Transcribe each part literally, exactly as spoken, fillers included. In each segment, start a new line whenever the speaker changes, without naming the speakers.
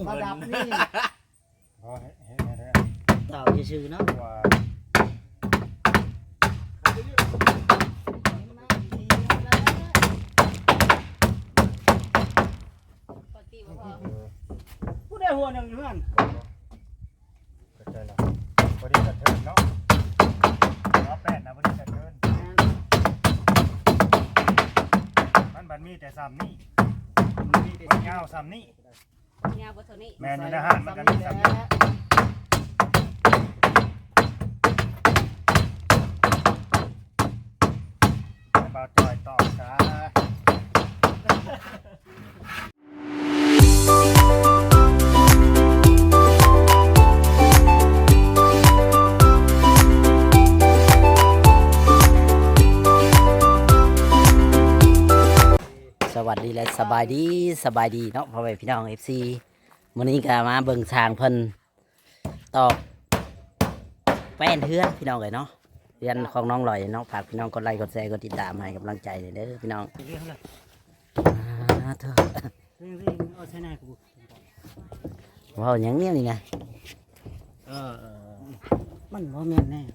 ระดับนี่
พอเห็นไหมเนี่ย
ต่อชื่อเนาะ
ว่า
ผู้ได้หัวหนึ่งอยู่เพื่อน
เข้าใจแล้วพอดีกระเทินเนาะล้อแปดนะพอดีกระเทินมันบันมีแต่ซ้ำนี่มันยาวซ้ำนี่
ยาวกว่าเท่านี้
แม่นี่นะฮะมันก็มีซ้ำนี่บาจอยต่อจ้า
สวัสดีและสบายดีสบายดีเนาะพ่อแม่พี่น้อง เอฟ ซี มื้อนี้ก็มาเบิ่งทางเพิ่นตอกแป้นเฮือนพี่น้องเลยเนาะเฮือนของน้องลอยเนาะฝากพี่น้องกดไลค์กดแชร์กดติดตามให้กำลังใจเด้อพี่น้องอ่าเถอะว้าวยังเนี่ยนี่ไง
เออมันบ่แม่นแน่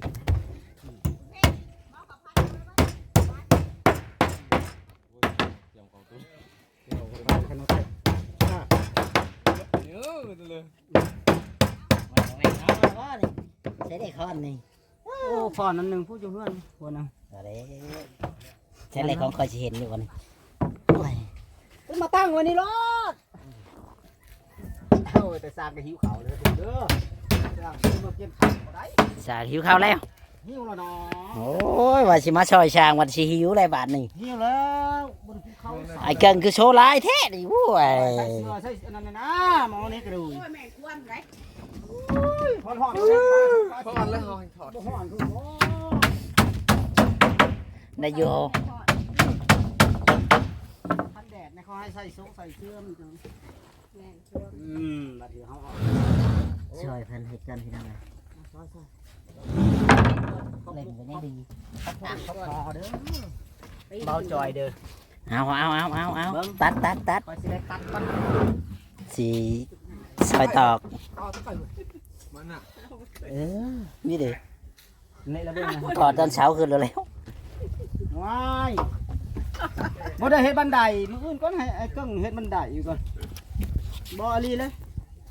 ใช้ได้ค้อนนี่
โอ้ฟอนนั่นหนึ่งผู้อยู่เพื่อนหัวหนึ่ง
อะไรใช้อะไรของคอยเห็นอยู่วันนี้
มาตั้งวันนี้รถโอ้ยแต่สร้างก็หิวเขาเลยเด้อสร้างมาเก็บข้าวได้
สาหิวข้าวแล้ว
หิวแล้วเนาะ
โอ้ยว่าสิมาซอยช้างวันสิหิวอะไรบาทนี่
หิวแล้วบนภูเขา
ไอ้เกิงคือโชว์ลายแท้ดิวู้ย
ใส่เสื้อใส่อันนั้นนะหมอนี่กระดูก
แม่ควนไร
พอนหอน
พอนแล้วหอนถอด
หอนคือโอ้
ได้โย
พันแดดในเขาให้ใส่โซ่ใส่เสื้อมันจัง
แม่ช่วง
อืมบัดเดี๋ยวเขา
ช่วยเพิ่นเฮ็ดกันพี่น้องเลยเล่นกันยังดี
เขาพอเด้อ
เบาจอยเด้อเอาเอาเอาเอาเอาตัดตัดตัด
ไปสิได้ตัดกัน
สีซอยตอกเออนี่เด้
นี่ละเบิ่งนะ
ก่อนตอนเช้าขึ้นแล้วแล้ว
ว้ายบ่ได้เฮ็ดบันไดมื้ออื่นก่อนให้ไอ้เกิ้งเฮ็ดบันไดอยู่ก่อนบ่อลีเลย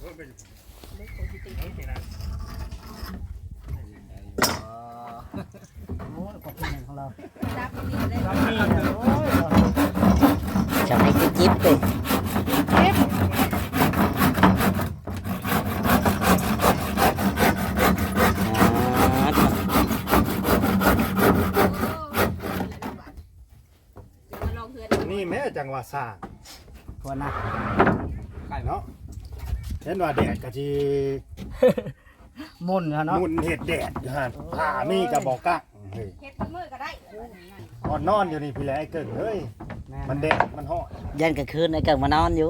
โอ้ยขอบคุณของเรา
รับนี่ได้
รับนี่โอ้ย
จะให้จิ๊บๆเลย
นี่แม่จังหวะสร้าง
ทวนนะ
ไก่เนาะเช่นว่าแดดกะจี
มุนเนาะ
มุนเห็ดแดดอยู่ฮะผ่ามีกระบอกกักเฮ้ย
เฮ็ดมือก็ได้
นอนนอนอยู่นี่พี่แหละไอ้เกิดเฮ้ยมันแดดมันห่อ
ยันกลางคืนไอ้เกิงมานอนอยู่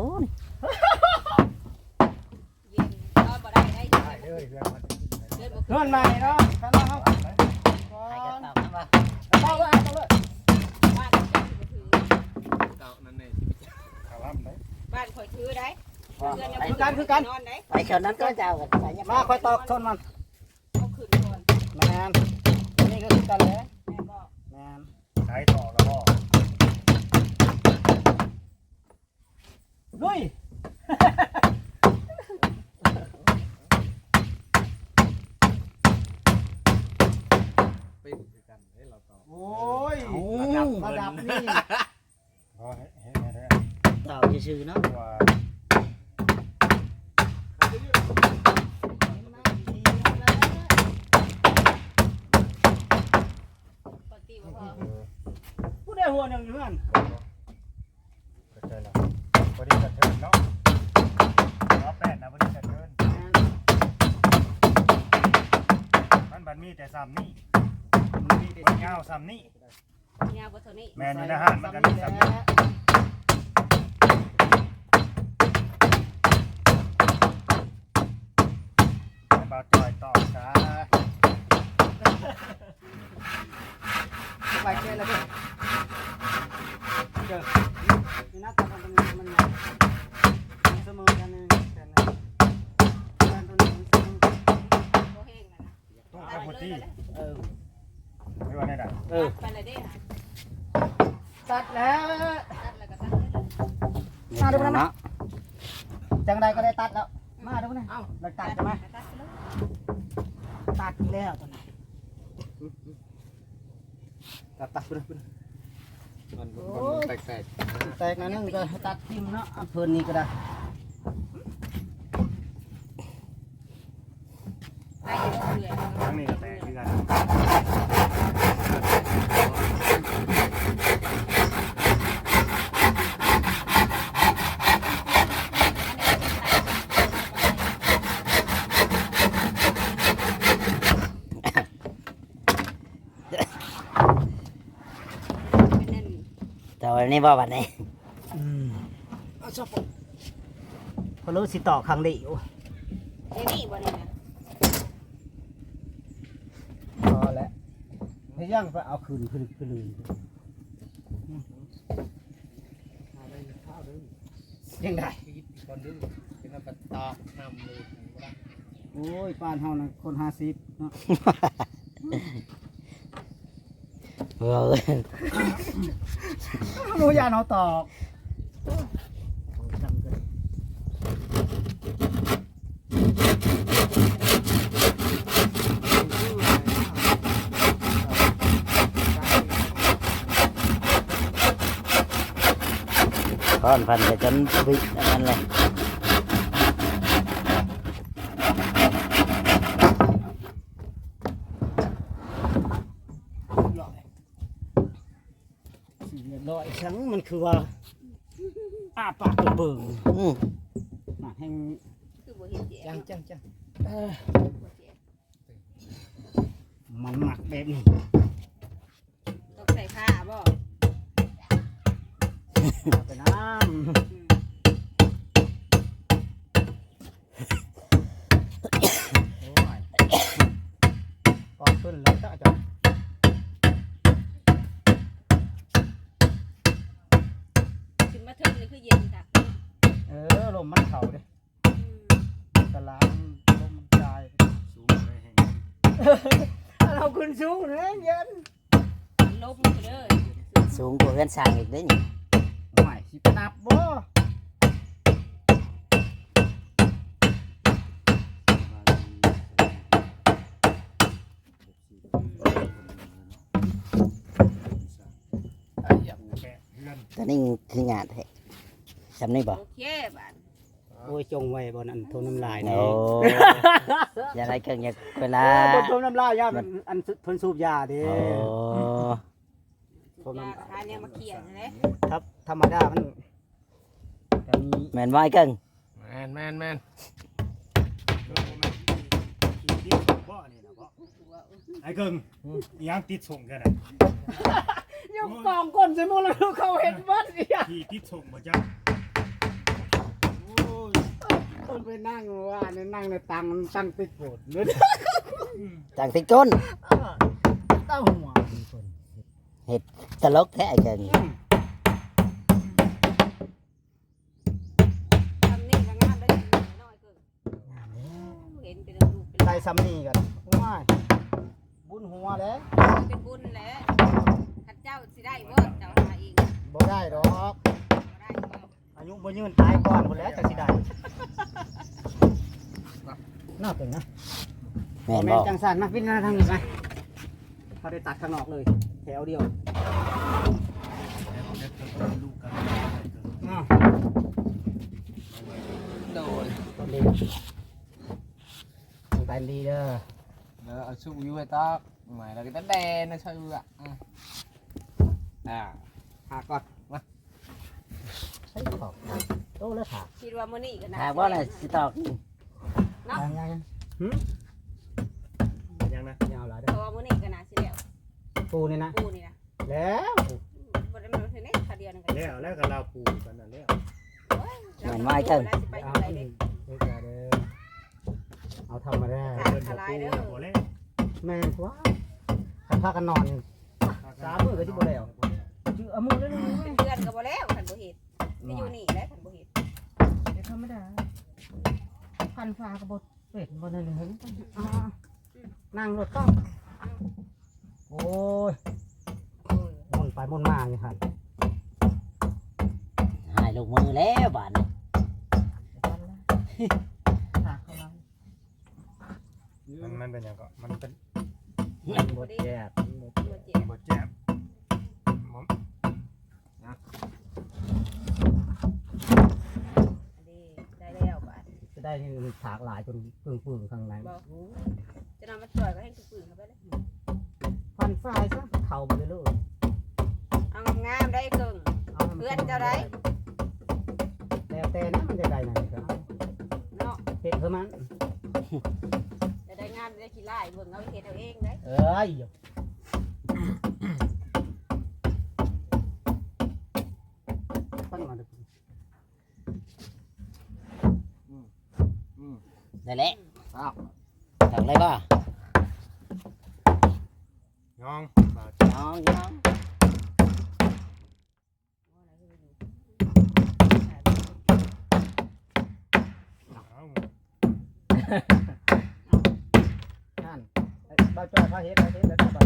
เย็นนอนบ่ได้ได้
ได้เลยเพื่อนมัน
นอนใหม่เนาะท่านเนาะ
ให้กันตอกกันว่า
เต้าเลยเต้าเลย
บ้านถือ
เต่านั่นเองข่าวล่ำได้
บ้านคอยถือได้
คือกันคือกัน
ไปชนนั้นก็เจ้ากัน
มาคอยตอกชนมัน
เอาขึ้นก่อน
แมนนี่ก็คือกันเลย
แม่บอก
แมน
ใช้ต่อแล้วก็
ลุยโอ้ยระดับนี่
พอเห็นไหมเนี่ย
ต่อชื่อเนาะ
ว่า
ผู้ได้หัวหนึ่งอยู่เพื่อน
เข้าใจแล้วพอดีกระเทินเนาะล้อแปดนะพอดีกระเทินมันบันมีแต่ซ้ำนี่มันยาวซ้ำนี่
ยาวกว่าเท่านี้
แม่นี่นะฮะมันก็มีซ้ำนี่บาจอยต่อจ้า
ไปเช่แล้วเด้อเด้อนี่นะตอนมันมันเสมอกันนึงแต่
ที่
เออ
ไม่ว่าได้ดัง
เออ
ไปเลยเด้อ
ตัดแล้ว
ตัดแล้วก็ตัดเลย
มาดูนะเนาะจังใดก็ได้ตัดแล้วมาดูนะเอ้าเราตัดใช่ไหม
ตัดไปเลย
ตัดแล้วตอนนี้ตัดตัดไปเลยไปเลย
มันแตกแตก
แตกนั่นนึงก็ตัดทิ่มเนาะเอาเพิ่นนี่ก็ได้
ไปเรื่อยๆ
ครั้งนี้ก็แตกคือกัน
เป็นนั่น
แต่วันนี้บ่วันนี้
อืมเอาชอบพอรู้สิต่อครั้งเดียว
เดี๋ยวนี้บ่นี่นะ
พอแล้วให้ย่างไปเอาคืนคืนคืนเลยยังได้
คนดื้อเป็นกระตอกนำเลย
โอ้ยปานเฮานะคนห้าสิบเนาะ
เออ
รู้ยานเอาตอกจำกัน
ก้อนพันจะจนบิดอันนั้นเลย
สี่เรียบร้อยฉันมันคือว่าอ้าปากเบิ่ง
อืม
หนักแห้ง
คือบ่เห็นแย่
จังจังจัง
เอ้อ
บ่แย่
มันหมักแบบนี้
ต้องใส่ผ้าบ่
เอาไปน้
อืม
ำโอ้ยก่อนขึ้นแล้วจะจะ
ขึ้นมาเทิงนี่คือเย็นจ้ะ
เออลมมันเข่าเด้
อืม
ตะลางลมมันจาย
สูงเลยแห่ง
เราขึ้นสูงเลยเย็น
ลบมันไปเลย
สูงกว่าเพื่อนสร้างอีกได้นี่
ไม่สิไปนับบ่
ไอ้ยับ
แกะเพื่อน
ตอนนี้คืองานแท้จำนี่บ่
โอเคบาด
โอ้ยจงไว้บนอันทนน้ำลาย
โอ้
นี่
อย่าไรเกินอย่าเวลา
บนทนน้ำลายย่ามันอันทนสูบยาเดิ
โอ้
ผม
ยา
น้ำ
คาเนี่ยมาเขียนเลย
ครับธรรมดามันแต่มี
แมนไว้เกิง
แมนแมนแมน
ขี่ติดส่งบ่นี่นะบ่ไอ้เกิงอีหยังติดส่งแค่ไหน
ยกกองก้นใส่หมดแล้วเขาเห็นวัดอีก
ขี่ติดส่งบ่จ้าโอ้ย
คนไปนั่งว่าเนี่ยนั่งในตังมันตั้งติดโบดเลย
จังติก้น
เต้าหัวคน
ตลกแท้ไอ้เกิง
ทำนี่ก็งามได้น้อยเกินเห็นเป็นรูปเป็น
ได้ซ้ำนี่กันว้ายบุญหัวแล้ว
เป็นบุญแหล้วข้าเจ้าสิได้บ่เจ้าหาเอง
บ่ได้ดอก
บ่ได้บ่
อายุบ่ยืนตายก่อนหมดแล้วจังสิได้น่าเป็นนะ
แมน
แม่
บ่
นจังสันมาพิจารณาทางนี้ไหมเขาได้ตัดข้างนอกเลย แถวเดียว
ลูกกัน
อ้าว
โดน
ดีต้องไปดีเด้อ
แล้วเอาชุบยูไอ้ตอกหมายเราก็จะแดนนะช่วยมืออ่ะอ่า
หาก่อนมาใช้ขอบโตแล้วถาก
คิดว่ามื้อนี้ก็น่า
หากว่าน่ะสิตอก
ยังไงหืม
ยังนะ
ยาวหลาย
เพ
เด้อ
ราะว่ามื้อนี้ก็น่าสิแล้ว
ปูนี่นะ
ปูนี่นะ
แล้ว
บ่ได้มาเท่านี้คาเดียวนึงก็
แล้วแล้วก็ลาปูกันนั่นแล้ว
แม่นไม้เกินสิไปทางใดเด้
เด้อเด้อเอาทำมาได้
เพิ่นบ่ปูบ่แล้ว
แม่นกว่าคันพากันนอนสามมื้อก็สิบ่แล้วชื่อเอามือเลยนะ
เป็นเดือนก็บ่แล้วคันบ่เฮ็ดไม่อยู่นี่แหล้วคันบ่เฮ็ด
เดี๋ยวธรรมดาพันฟ้าก็บ่เป็ดบ่นั่นเลยอ่านั่งรถต้องโอ้ยมุนไปมุนมาอยู่ครับ
หายลงมือแล้วบาดนี้
มันมันเป็นหยังก็มันเป็น
มันบดแยบ
มันเจ็บ
บ่แจ็บหมอม
ดีได้แล้วบาด
จะได้ถากหลายจนปึ้งปึ้งๆข้างใน
บอกจะนำมาช่วยก็ให้ปืนเข้าไปเลย
ฟันฝ้ายซะเข่าไปเลย
เอางามๆได้เกิง
เอาให้มั
เพื่อนเจ้าได้
แล้วแต่นะมันจะได้ไหนครับ
เนาะ
เห็ดเพื่อมัน
จะได้งามได้ขี้ไล่เบิ่งเอาไปเฮ็ดเอาเองได้
เอ้ยปั้นมาดู
ได้แล้ว
อ้าว
จังเลยบ่
น้องบาด
น้องน้อง
เอา
นั่นไอ้บ้าจ้อยเขาเห็ดเขาเห็ดแล้วก็ไป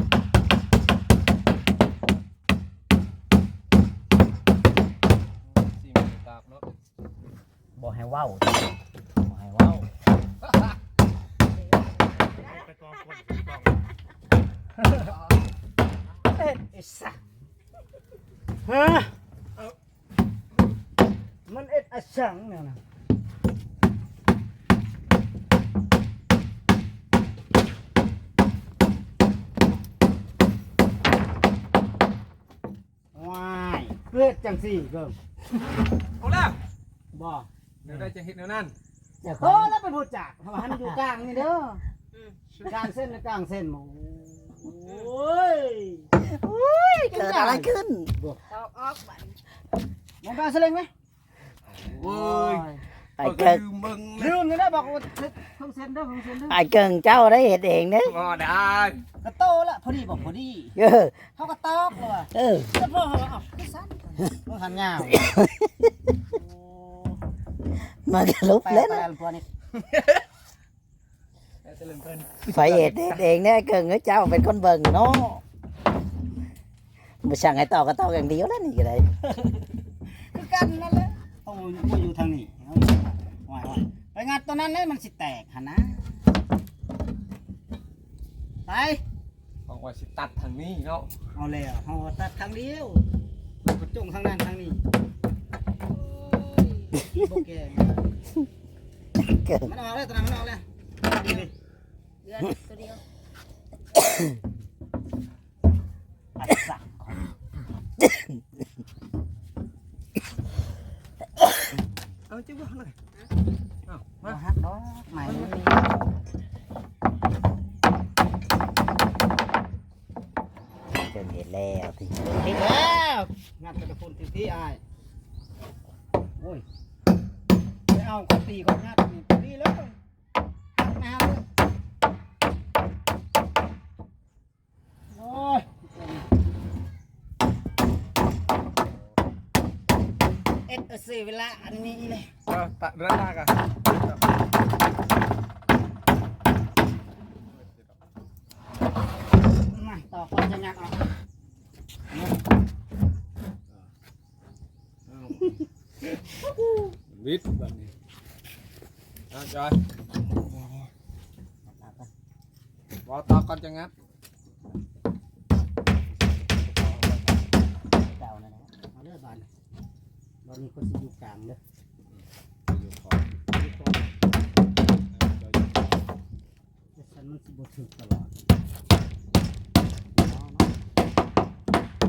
สี่มือตากเนาะ
บ่ให้เว้า
บ่ให้เว้า
ไปกองคนไปกอง
เอ็ดไอ้สัสฮะมันเอ็ดอะสังเนี่ยนะว้ายเลือดจังสี่เกิม
เอาแล้ว
บ่
เดี๋ยวได้จะเห็นแนวนั้น
อย่าโตแล้วเป็นผู้จักเพราะว่ามันอยู่กลางนี่เด้อ
อืม
กลางเส้นและกลางเส้นหมูโอ้ย
เกิดอะไรขึ้น
ตอกออกบาด
มองกลางเสลงไหม
เว้ย
ไอ้เกิง
ลืมมึง
ลืมเลยนะบอกว่าเพิ่งเซ็นเด้อเพิ่งเซ็นเด้อ
ไอ้เกิงเจ้าได้เห็ดเองเด้อ
ก็ได้
กระโตละพอดีบอกพอดี
เออ
เขาก็ตอกเลยว่ะ
เออ
แล้วพ่อเขาเอาคือสั้นต้องหันยาว
มันก็ลุบ
แปล
เล่น
แปลตัวนี้
แต่จะลืมเพิ่น
ไฟเห็ดเฮ็ดเองเนี่ยเกิงเจ้าเป็นคนเบิ่งเนาะมาสั่งให้ต่อก็ต่ออย่างเดียวแล้วนี่ก็ได้
คือกันนั่นแหละต้องมาอยู่ทางนี้เอาอยู่ว่ายๆไปงานตัวนั้นเลยมันสิแตกหันนะไป
บอกว่าสิตัดทางนี้เนาะ
เอาแล้วเอาตัดทางเดียวกระจงทางนั้นทางนี้โอเค
เกิง
มันออกแล้วตอนนั้นมันออกแล้วดีเลย
เดือนตัวเดียว
อัดสัก
เอาจิ้มว่าหน่อยเอา
มา
มา
ฮักดอกใหม่มันมี
เกิงเห็ดแล้วที่
ติดแล้วงานกระพุนติดที่อายโอ้ยไปเอากตีก่อนงานนี่ดีแล้วน้ำโอ้ยเอ็ดเสียเวลาอันนี้เลย
เอาตัดเรื่องหน้ากัน
มาต่อคนจะงัดออก
วิทย์แบบนี้เอาจอยว่าตอกก่อนจะงัด
เจ้านั่นแหละเอาเลือดบานบานนี้คนสิอยู่กลางเด้อ
อยู่ขอ
อยู่ก่อนแต่ฉันมันสิบ่ถึกตลอดเอาเนาะ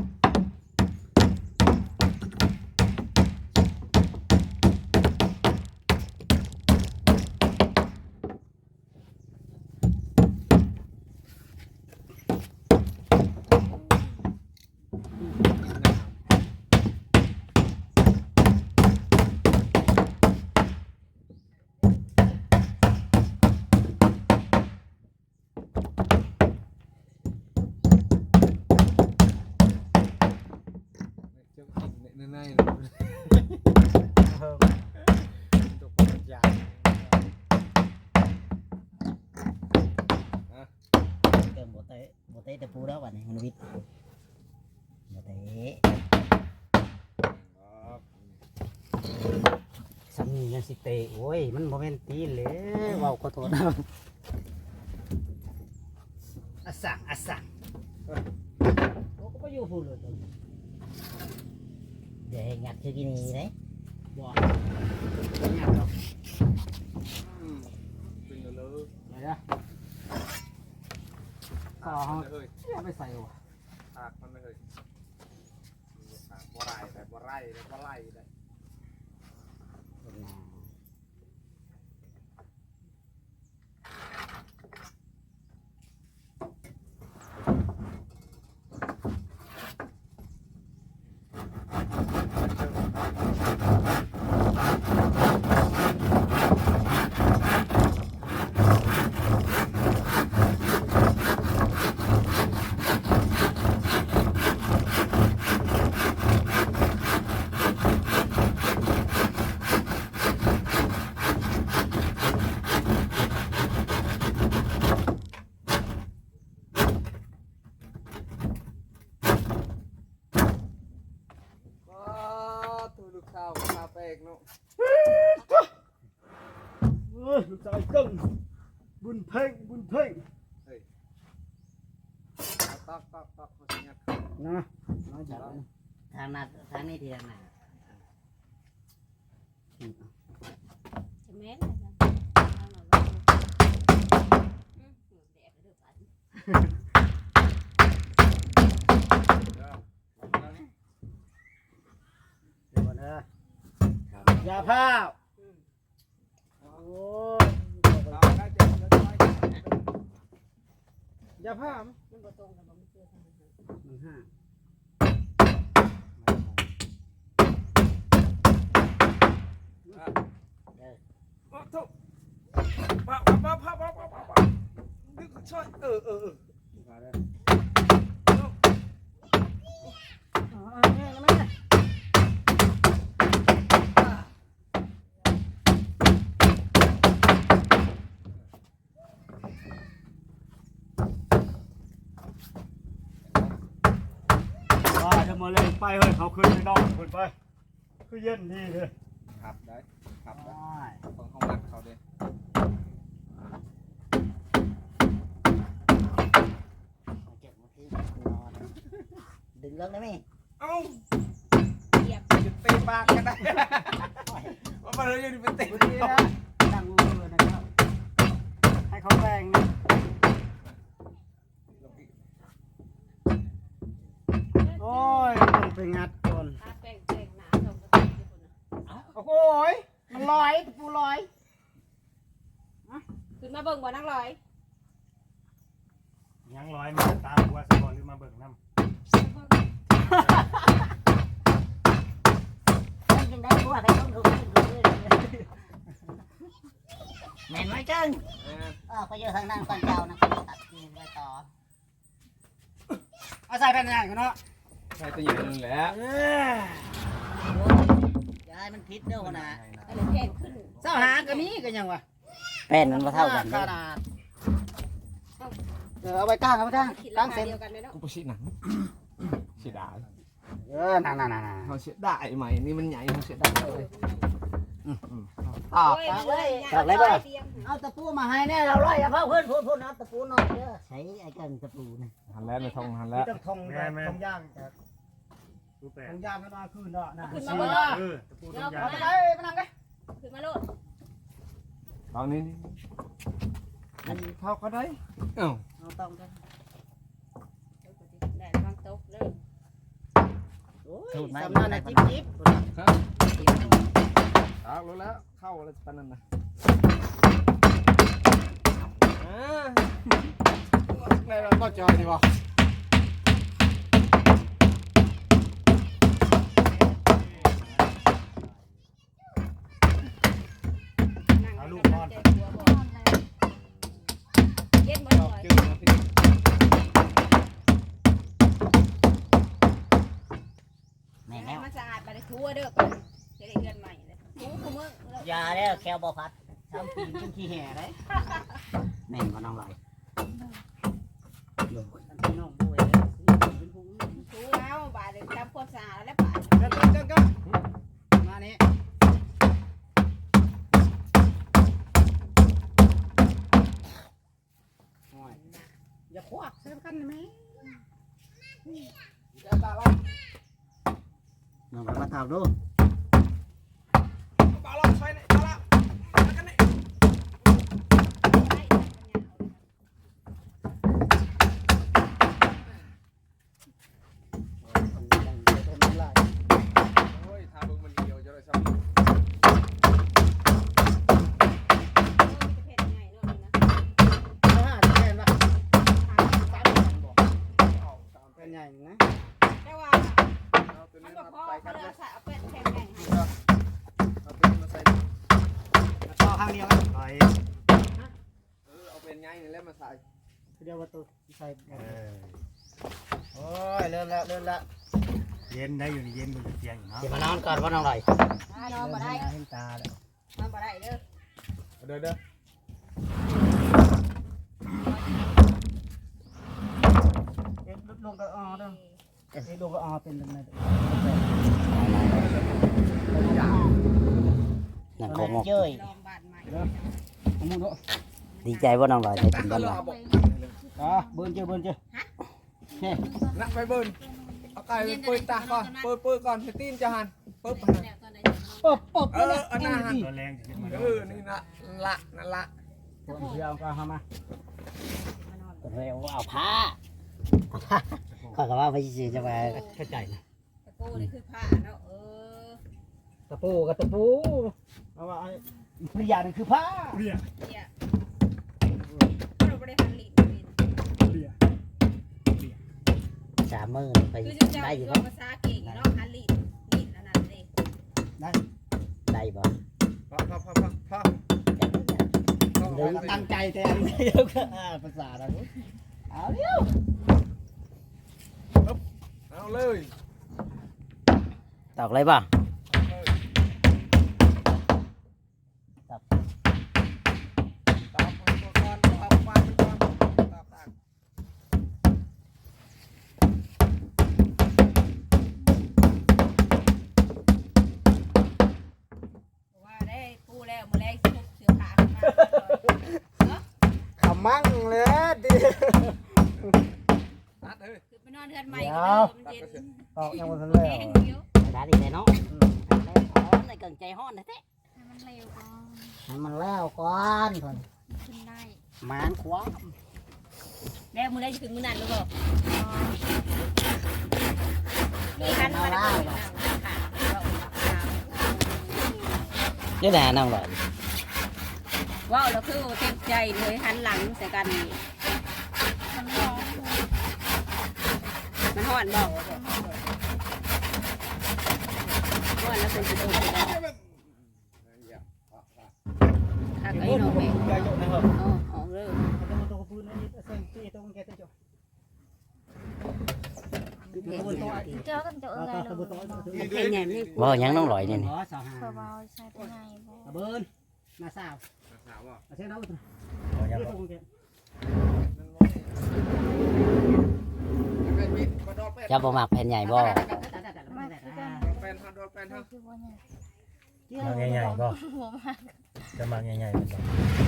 เจ้ากินในในเลยตกปัญญา
ได้ตะปูแล้ววันนี้มันวิทย์มาเตะสามียังสิเตะโอ้ยมันโมเมนตีนเลยเว้าก็โทษนะอาสั่งอาสั่งโอ้ก็ไปอยู่พูดเลยเดี๋ยวให้งัดคือกินนี่เลยบ่งัดหรอก
เป็นเลย
เดี๋ยวนะข้าวเขาเอาไปใส่วะ
หากมันไม่เคยหากบ่ไรแต่บ่ไรแต่บ่ไรได้ ตัวลูกข้าวข้าวแป้งเนาะ
เฮ้ยลูกชายกึ่งบุญเพ่งบุญเพ่ง
ตักตักตักเขาสิงัด
นะน้อยจัง
ทางนั้นทางนี้ทีทางไหน
จะแม่นเลยจ้ะเอาหน่อยว่าอืมเหงื่อแดดเลยเด้อปัน
เดี๋ยวก่อนนะยาผ้าโอ้ย
เอาได้เจ็บแล้วน้อย
ยาผ้ามั้ย
มันบ่ตรงกันบ่มันเจอทางนั้น
หนึ่งห้า
ทุกป้าป้าป้าป้าป้าป้าป้าดึกช่วยเออเออเออ
มาเลยอ๋อแม่แม่ว่าจะมาเล่นไปเฮ้ยเขาขึ้นไปนอนขึ้นไปคือเย็นดีเลย
ครับได้ครับได้
ได้
ของห้องนัดเขาเด้
เก็บมาที่นอนดึงเรื่องได้ไหม
เอ้า
เหยียบ
จะเตะปากกันได้ว่ามันเลยอยู่เป็นเตะ
วันนี้นะตั้งมือนะครับ ให้เขาแรงนะโอ้ยมันไปงัดก่อน
ทาแป้งแป้งหนาส่งกระตุ้นที่คนน่ะ
โอ้โหยมันลอยตะปูลอย
ขึ้นมาเบิ่งบ่นักลอย
ยังร้อยมาตามหัวสะบอนหรือมาเบิ่งน้ำ
ยังได้บัวไปต้องดูแม่นไหมจังเออไปอยู่ทางนั้นก่อนเจ้านะตัดกินไปต่อ
เอาใส่แผ่นอย่างกันเนาะ
ใช่ตัวใหญ่นึงแหละ
เอ้ย
ยายมันพิษเด้อนะ
ก็เลยแพงขึ้น
เจ้าหาก็มีกันยังวะ
แป้นมันมาเท่ากัน
ขนาดเออเอาไปก้างเอาไปก้าง
คิด
ก้า
ราง คา
เส้น
เดียวกันเลยเนาะ
กูไปฉีดหนังฉีดดา
เออนั่นนั่นนั่น
เขาเสียได้ไหมนี่มันใหญ่เขาเสียได้เลย
ตอก
โอ้ย
เอา
เล
เลย ย
ตอกเลยบ่เตรียม
เอาตะปูมาให้แน่เราไล่เอาเพิ่มเพื่อนพูดพูดเอาตะปูหน่อยเด้อใช้ไอ้กันตะปูนะ
หันแล้วไม่ทองหัน
มี
แล้ว
ต้องทงแบบทงย่างจาก
รูปแป
ท
ด
งย่างก็มาคืนเนาะนะ
ขึ้น
เอ
มา
อ
บ่
เออตะปูต้นยา
เอาไปไปนั่งไป
ขึ้นมาโลด
ตอนนี้มันเข้าก็ได้เอ้า
เอาต้องกัน
ได้วางโต๊ะเด้อ
โอ้ยสำนักนะจิ๊บจิ๊บ
เอารู้แล้วเข้าอะไรปานนั้นนะในเราก็จอยดีป่ะ
เอาลูกนอน
เย็นบ่
ชอบ
ลอย
จืดนะพี่
แม่
ให้
แน่
มันสะอาดบ่ได้ทั่วเด้อก่อนจะได้เฮือนใหม่เลยถูคุมื้อย
าแล้วแควบอพัดทำปีนขึ้นขี้แห่เลยแม่นก็น้องลอย
พี่น้องกันไหม
เดี๋ยวตาลอย
น้องไปมาถามดู
ตาลอยใส่ไหนตาละมากันนี่ โอ้ยทาเบิ่งมันเดียวจะได้ซ้ำ
เป็นใหญ่นะ
แต่ว่า
เอาตัว
มั
นี้
นบ่
มา
พอ
ใส่
เขา
กัน
เลย
เลย
เอาใส่เอาเป็ดแข็งใหญ่ให้
เอาตัวนี้มาใส่
ต่อข้างเดียวกัน
ไป
เออเอาเป็นไงนี่แล้วมาใส่
เดียวประตูใส่
เออ
โอ้ยเริ่มแล้วเริ่มแล้ว
เย็นได้อยู่นี่เย็นมันเตียงอยู่เนาะ
เดี๋ยวมานอนก่อนว่าน้องลอย
นอนบ่ได้
เห็นตาแล้ว
นอนบ่ได้เด้อ
เด้อเด้อ
เอ็ดลงก็อ๋อเด้อเอ็ดลงก็อ๋อเป็นยังไง
หนังโคงอก
เย้ย
ลองบ้านใหม่
เอามือเนาะ
ดีใจว่าน้องลอยได้
ตั
เป็
ก
น
ก็
บ้าน
ร
ล
อ
อย
บอก
อ่ะเบิ้ลเจ้าเบิ้ลเจ้าเฮ้ย
นักไปเบิ่นเอาไก่ไปเปิดตาก่อนเปิดเปิดก่อนให้ตีนจะหันปึ๊บหัน
แล้วตอนไหน
ปุ๊บปุ๊บ
เอออันนั้นหัน
ตัวแรงจะขึ้นมา
เออนี่นะละนั่นละ
ผมเชื่อก็เข้ามา
เร็วเอาผ้าข้อยก็ว่าไปสิจะมาเข้าใจนะ
ตะปูนี่คือผ้าเนาะเออ
ตะปูกับตะปูเอาว่าปริยานี่คือผ้า
เรีย
เนี่ยเราบ่ได้หันลิ้นเป็น
เรีย
สามมือไป
คือจะเจ้า
ได้อยู่
ตัว
บ่
ภาษาเก่งเนาะหันลิ้นลิ้นอันนั้นเลย
ได้
ได้บ่
พอพอพอพอพอ
ตั้งใจแต่อันนี้เดียวก็ภาษาเราเอาเดี๋ยว
เอาเลย
ตอกเลยบ่
ตอกมันก่อนตอกฟันมันก่อนตอกตาก
ว่าได้ปูแล้วมื้อแรกสิพกเสื้อผ้าขึ้นมาเนาะ
ขมั่งเลยดิ
ตัดเฮ้ย
คือไปนอนเรือนใหม่ก็ได้มันเย็น
ตอกยังไม่ทันเลย
แห้งเดียว
ได้ดีเลยเนาะร้อนในเกิงใจฮ้อนนะเต้
ให้มันเร็วก่อน
ให้มันแล้วก่อนก่อน
ขึ้นได้
มานขวา
แล้วมื้อแรกสิถึงมื้อนั้นหรือเปล่ามีคันมาได้บ่ค่ะ
เดี๋ยวนะน้องลอย
ว้าวแล้วคือเต็มใจเลยหันหลังใส่กันนี่มันร้อนมันฮ้อนบ่ฮ้อนแล้วเป็นสิโดนถ้าไอ้น้องแม่
ใหญ่ๆนะครับ
อ๋อออกเลย
ต้องตัวพื้นนี่เส้นที่ตรงแกตัว
เจ้ากันเจ้าเอ๋ย
ตะ
เล
บุ
ย
ตะ
มันเป็นไงนี่
บ่หยังน้องลอยนี่นี่
อ๋อสาวหา
เพื่อเบาใช้เป็นไงบ่
ตะเบิ้ลนาสาว
สาวอ่ะ
เส้นเราตรง
เอาอย่าง
ตรงแก
เป็นมิดมาดอดเป็น
เจ้าบ่มักแผ่นใหญ่บ่
มากคือกัน
เป็นฮะดอดเป็นฮะ
คือว่าไง
มาใหญ่ๆก็
หัวมาก
จะมาใหญ่ๆเป็นบ่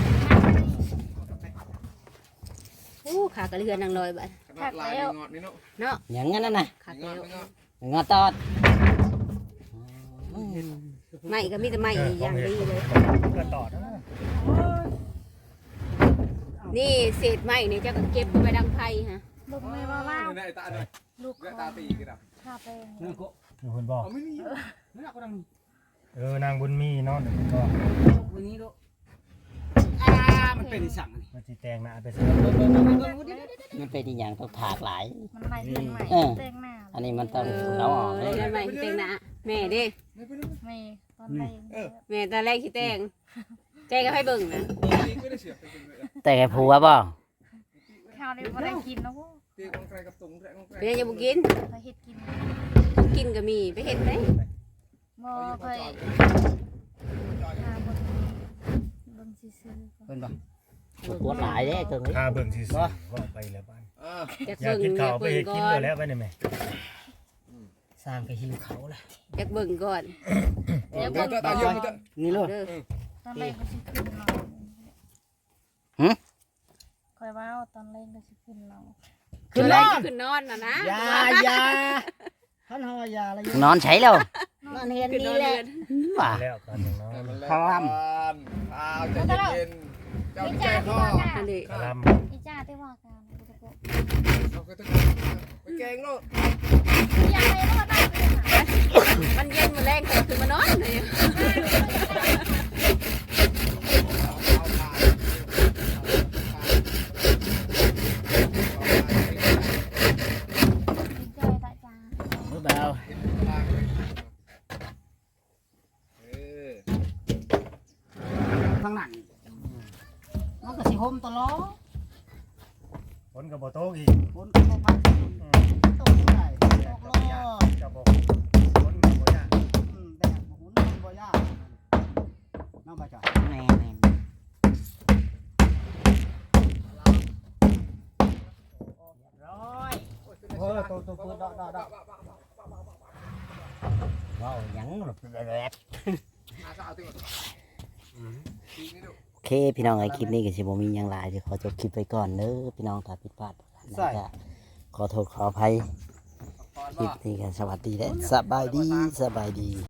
อู้ขากระเรือนนางลอยบัด
ขนาดลายงอดนี่เนาะ
เนาะ
หยังงั้นน่ะนะ
ขา
ง
แก้
อด
ว
งอด
งอตอด
ไม่ก็มีแต่ไม่อย่างดีเลย
ก็ต่อนะ
นี่เศษไม้นี่เจ้าก็เก็บไปดังไพ่ฮะ
ลูกไม่ว่าว่า
นี่ไอ้ตาเลย
ลูก
เลือ
ข
ตา
อง
ตีกันอ่ะ
ข้าเป็น
นั่นก็
อยู่คนบอก
เอาไม่นี่
นั่นก็ดัง
เออนางบุญมีเนาะเดี๋ยวมันก็
วันนี้ดูอ่ามันเป็นสั่ง
มันสิแต่งหน้าไปซะ
มันเป็นอีหยังต้องถากหลาย
มันไหลเต็งใหม่เต็งหน้า
อันนี้มันต้องเอาออกเลย
เรือนใหม่ที่แต่งหน้าแม่เด้
ไม่ตอนแรก
แม่ตอนแรกที่แต่งใจก็ให้เบิ่งนะ
ตีก็ได้เสียบไปกินเลย
แต่แกผัวบ่
ข้าวได้บ่ได้กินนะพวก
ตีของใครกับตุงใครของใคร
เป็นยังจะบุกิน
เคยเฮ็ดกิน
กินก็มีไปเห็นไหม
บ่เคยหาบนบนซื้อ
เป็นปะ
ปวดหลายเด้เกิง
ถ้าเบิ่งสิๆว่าไปแล้วบ้าน
อ่า
อยาก
อยาก
เบิ่ง
กิน
อ
ข้าวย
าก
ไป
เบิ่ง
เฮ็ดกิน
ก่อ
ไป
น
แล้วไปนี่แม่
สร้างกระหิวเขาละ
อยากเบิ่งก่อนอยาก
เดี๋ย
เบิ่
ว
ง
ตา
ก่อน
เยี่ยมมันจะ
นี่เลย
เด้อ
ตอนแรกก็สิขึ้นเราคอยว่าตอนแรกก็สิขึ้นเรา
ขึ้นนอน
ขึ้นนอนน่ะนะ
อยาอยาท่านเฮาว่าอยาอะไร
นอนใช้แล้ว
นอนเห็น
ขึ้นน
นี่
อน
แหละ
เรือน
ว่า
แล้วกันอย่างน้อย
พร้อม
ข้าวใจเย็นๆเจ้า
อี
ใจ
จ้า
พ่
ที่
อ
ว่ากัน
อันนี้
กะล
อีจ้าที่ว่ากันกูจะบอก
เราก็ต้องไปแกงโลด
อยากไปรอดได้ไปหา
มันเย็นมาแรงแต่ขึ้นมานอนเลย
เจอตาจ้า
มือเบา
ข้างหลังมันก็สิห่มตลอด
ำฝนกับโบโต๊ะอีก
ฝนก็บ่พัก
อืม
ตกได้
แด
ต
ด
ก
กั
โล
บบ่ยาก
ด
กับบ่ฝนกับบ่ยาก
อืมแดดบ่หุ่นมันบ่ยากน้องบ่จ่อย
แม่แม่
เออตัวตัวปืนดอกดอกดอก
ว้าวหยังหลบแรด
หาสาวติ
โอเคพี่น้องไอ้คลิปนี้ก็สิบ่มีหยังหลายเดี๋ยวขอจบคลิปไปก่อนเด้อพี่น้องถ้าผิดพลาดแล้วก็ขอโทษขออภัยคลิปนี้ก็สวัสดีและสบายดีสบายดี